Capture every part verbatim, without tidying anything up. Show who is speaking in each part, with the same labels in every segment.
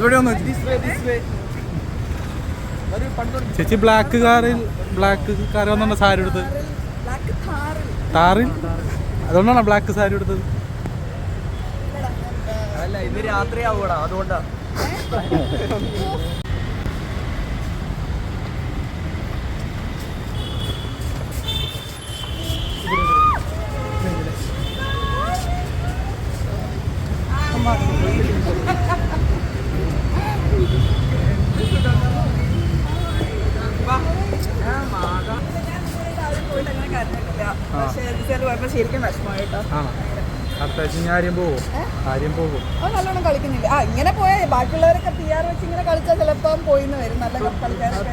Speaker 1: ഇവിടെ വന്നു ചേച്ചി. ബ്ലാക്ക് കാറിൽ ബ്ലാക്ക് കാർ വന്നോണ്ടാ സാരി എടുത്തത്? താറിൽ അതുകൊണ്ടാണോ ബ്ലാക്ക് സാരി എടുത്തത്?
Speaker 2: അല്ല, ഇന്ന് രാത്രി ആവൂടാ, അതുകൊണ്ടാ.
Speaker 3: നല്ലോണം കളിക്കുന്നില്ല. ആ ഇങ്ങനെ പോയാൽ ബാക്കിയുള്ളവരൊക്കെ പി ആർ വെച്ച് ഇങ്ങനെ കളിച്ചാൽ ചിലപ്പം പോയിന്ന് വരും. നല്ല കളിക്കാരൊക്കെ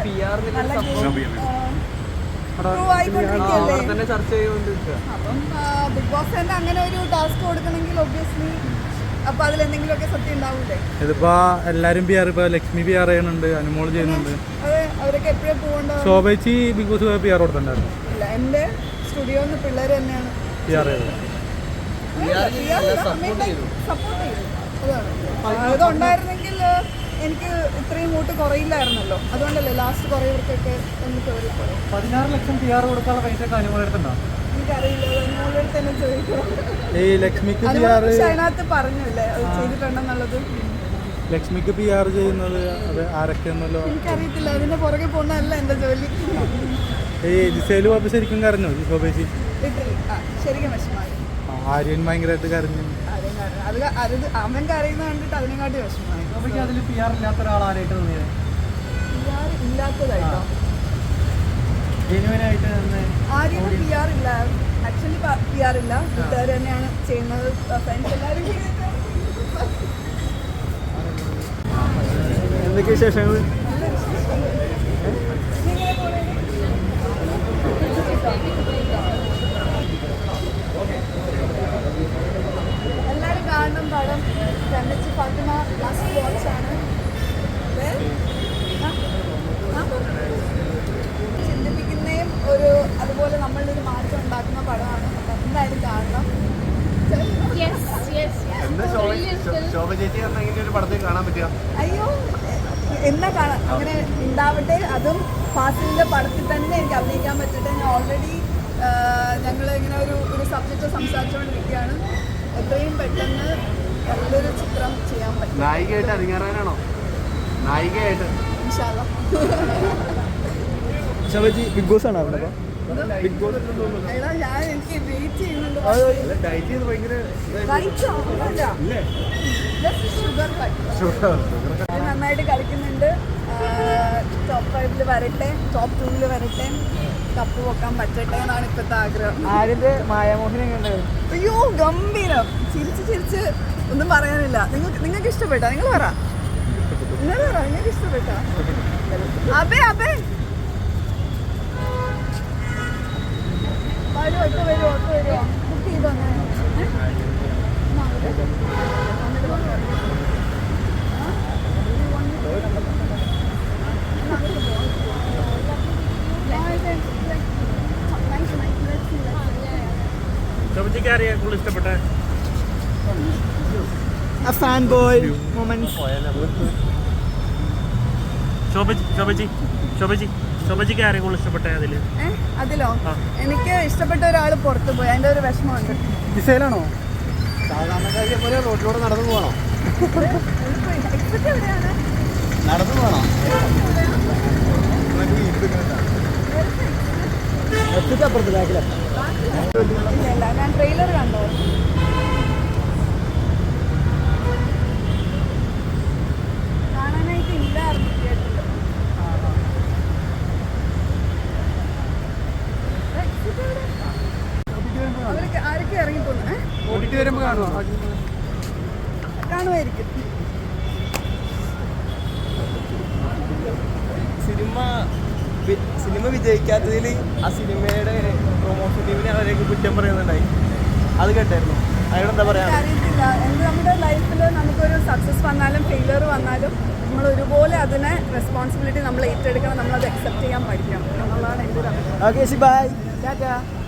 Speaker 3: അപ്പം ബിഗ് ബോസ് തന്നെ അങ്ങനെ ഒരു ടാസ്ക് കൊടുക്കണമെങ്കിൽ ഒബ്വിയസ്ലി അപ്പൊ അതിലെന്തെങ്കിലുമൊക്കെ സത്യം ഉണ്ടാവൂലേ?
Speaker 1: ഇതിപ്പോ എല്ലാരും പി ആർ, ഇപ്പൊ ലക്ഷ്മി പി ആർ ചെയ്യുന്നുണ്ട്, അനുമോൾ ചെയ്യുന്നുണ്ട്.
Speaker 3: അതെ, അവരൊക്കെ എപ്പോഴും പോകണ്ട.
Speaker 1: ശോഭേച്ചി ബിഗ് ബോസ് പി ആർ കൊടുത്തിട്ടുണ്ടായിരുന്നു.
Speaker 3: ഇല്ല, എന്റെ സ്റ്റുഡിയോന്ന് പിള്ളേര് തന്നെയാണ്
Speaker 1: പി ആർ ചെയ്തത്.
Speaker 3: സപ്പോർട്ട് ചെയ്തു. അതാണ് അതുണ്ടായിരുന്നെങ്കിൽ എനിക്ക് ഇത്രയും വോട്ട് കുറയില്ലായിരുന്നല്ലോ. അതുകൊണ്ടല്ലേ ലാസ്റ്റ് കുറേവർക്കൊക്കെ ഒന്ന് കയറി.
Speaker 2: പതിനാറ് ലക്ഷം പി ആർ കൊടുക്കാനുള്ള പൈസ അനുമോളെടുത്തുണ്ടോ?
Speaker 3: എനിക്കറിയില്ല, അനുമോളുടെ തന്നെ ചോദിക്കണം. അതിനകത്ത് പറഞ്ഞില്ലേ അത് ചെയ്തിട്ടുണ്ടെന്നുള്ളത്?
Speaker 1: ലക്ഷ്മിക്ക് പി ആർ ചെയ്യുന്നത് അത് ആരൊക്കെയാണല്ലോ
Speaker 3: എനിക്കറിയത്തില്ല. അതിന്റെ പുറകെ പോകുന്നതല്ല എന്റെ ജോലി.
Speaker 1: ഈ ജിസേല് പോയപ്പോ ശരിക്കും കരഞ്ഞോ ശോഭേച്ചി?
Speaker 3: ശരിക്കും വിഷമായി.
Speaker 1: ആര്യൻ ഭയങ്കരമായിട്ട് കരഞ്ഞു.
Speaker 3: അത് അത് അവൻ കരയുന്ന കണ്ടിട്ട് അതിനെക്കാട്ടി വിഷമമായി.
Speaker 2: അതിൽ പി ആർ ഇല്ലാത്ത ഒരാളായിട്ട് തോന്നിയത്?
Speaker 3: പി ആർ ഇല്ലാത്തതായിട്ടോ?
Speaker 2: ജെന്യുവനായിട്ട്
Speaker 3: ആര്യന് പി ആർ ഇല്ല. ആക്ച്വലി പി ആർ ഇല്ല, കൂട്ടുകാർ തന്നെയാണ് ചെയ്യുന്നത്. ഫ്രണ്ട്സ് എല്ലാവരും
Speaker 2: എന്തൊക്കെ വിശേഷങ്ങൾ?
Speaker 3: എല്ലാവരും കാണണം പടം. കണ്ണച്ചി ഫാത്തിമ ലാസ്റ്റ് വാച്ച് ആണ്. ചിന്തിപ്പിക്കുന്നതും ഒരു അതുപോലെ നമ്മളുടെ ഒരു മാറ്റം ഉണ്ടാക്കുന്ന പടമാണ്. അപ്പം എന്തായാലും കാണണം. അയ്യോ, എന്നാ കാണാം, അങ്ങനെ ഉണ്ടാവട്ടെ. അതും ഫാസിലിന്റെ പടത്തിൽ തന്നെ എനിക്ക് അഭിനയിക്കാൻ പറ്റട്ടെ. ഞാൻ ഓൾറെഡി ഞങ്ങൾ ഇങ്ങനെ ഒരു ഒരു സബ്ജക്റ്റ് സംസാരിച്ചുകൊണ്ടിരിക്കുകയാണ്. എത്രയും പെട്ടെന്ന് നല്ലൊരു ചിത്രം ചെയ്യാൻ പറ്റും.
Speaker 2: നായികയായിട്ട് അരങ്ങേറാനാണോ? നായികയായിട്ട്
Speaker 3: ഇൻഷാ അല്ലാഹ്.
Speaker 2: ബിഗ് ബോസ് ആണ് അവിടെ. ബിഗ് ബോസ്
Speaker 3: എടാ, ഞാൻ എനിക്ക് വെയിറ്റ് ചെയ്യുന്നുണ്ട്. നന്നായിട്ട് കളിക്കുന്നുണ്ട്. ടോപ്പ് ഫൈവില് വരട്ടെ, ടോപ്പ് ടൂവില് വരട്ടെ, കപ്പ് പൊക്കാൻ പറ്റട്ടെ എന്നാണ് ഇപ്പോഴത്തെ ആഗ്രഹം.
Speaker 2: ആരിന്റെ മായാമോഹിനെ കണ്ടത്?
Speaker 3: അയ്യോ, ഗംഭീരം. ചിരിച്ച് ചിരിച്ച് ഒന്നും പറയാനില്ല. നിങ്ങൾക്ക് നിങ്ങൾക്ക് ഇഷ്ടപ്പെട്ടോ? നിങ്ങൾ പറ, നിങ്ങൾ പറ, നിങ്ങൾക്ക് ഇഷ്ടപ്പെട്ടോ? അബേ അബേ വരുമോ? ഒറ്റ വരുമോ? ഒറ്റ വരുമോ? ബുക്ക് ചെയ്തോ?
Speaker 2: ഇഷ്ടപ്പെട്ടെ fan boy moments.
Speaker 1: Shobhaji Shobhaji ശോഭജിക്ക് ആരെയും കൂടുതൽ ഇഷ്ടപ്പെട്ടെ അതില്?
Speaker 3: അതിലോ എനിക്ക് ഇഷ്ടപ്പെട്ട ഒരാൾ പുറത്തു പോയി, അതിന്റെ ഒരു വിഷമമുണ്ട്.
Speaker 2: ജിസേലാണോ? സാധാരണക്കാരെ പോലെ റോഡിലൂടെ നടന്നു പോകണോ? നടന്നു പോകണോ? അപ്പുറത്ത് ബാക്കിലാണ്.
Speaker 3: ഇല്ല, ഞാൻ ട്രെയിലർ കണ്ടോ? കാണാനായിട്ട് ഇല്ലായിരുന്നു തിയേറ്ററിൽ. അവർക്ക് ആരൊക്കെ ഇറങ്ങിപ്പോന്നു? കാണുമായിരിക്കും.
Speaker 2: സിനിമ സിനിമ വിജയിക്കാത്തതിൽ ആ സിനിമയുടെ പ്രൊമോഷൻ ടീമിനെ അവരേക്ക് കുറ്റം പറയുന്നുണ്ടായി. അത് കേട്ടായിരുന്നു. അതിനെന്താ പറയാ?
Speaker 3: അറിയത്തില്ല. എന്ത് നമ്മുടെ ലൈഫിൽ നമുക്കൊരു സക്സസ് വന്നാലും ഫെയിലിയർ വന്നാലും നമ്മൾ ഒരുപോലെ അതിനെ റെസ്പോൺസിബിലിറ്റി നമ്മൾ ഏറ്റെടുക്കണം. നമ്മളത് അക്സെപ്റ്റ് ചെയ്യാൻ പഠിക്കണം എന്നുള്ളതാണ് എൻ്റെ ഒരു അഭിപ്രായം.
Speaker 2: Okay, bye. ടാറ്റാ.